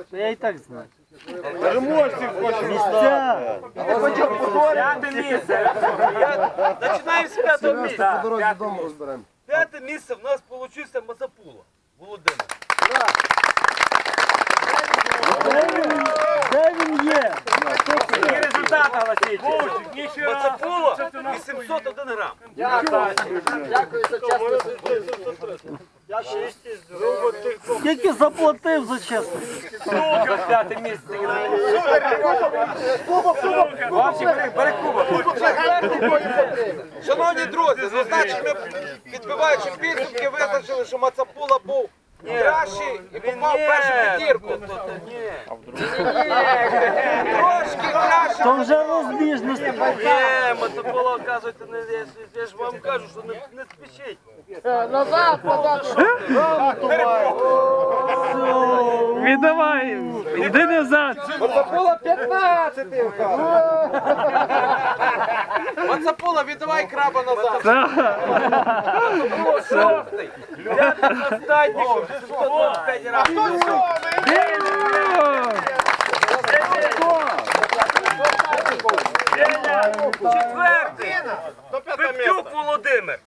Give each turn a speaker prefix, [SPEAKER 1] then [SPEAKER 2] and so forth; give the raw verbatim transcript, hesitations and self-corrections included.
[SPEAKER 1] Я і так знаю.
[SPEAKER 2] Переможців хочемо
[SPEAKER 1] Місця.
[SPEAKER 3] П'яте місце. Я- Починаємо з п'ятого місця.
[SPEAKER 2] по дорозі додому розберемо.
[SPEAKER 3] П'яте місце в нас вийшло Мацапула. Володимир.
[SPEAKER 1] Де він є?
[SPEAKER 3] Які результати оголосіть? Мацапула вісімсот один грам.
[SPEAKER 4] Дякую за чесне.
[SPEAKER 1] Скільки заплатив за чесність?
[SPEAKER 3] За п'яте місце. Вовчик, бери, бери кубок. Шановні друзі, ну значить ми, підбиваючи підсумки, визначили, що Мацапула був кращий і попав в першу п'ятірку. Трошки краще.
[SPEAKER 1] То вже розбіжності.
[SPEAKER 3] Ні, Мацапула, оказується, не, я, ж- я ж вам кажу, що не, не спішіть.
[SPEAKER 4] Назад, назад.
[SPEAKER 1] Віддавай, іди назад.
[SPEAKER 3] Мацапула п'ятнадцятий. Мацапула, віддавай краба назад. Мацапула шостий. П'ятий останній, сімсот двадцять п'ять разів. Четвертий. Пептюк Володимир.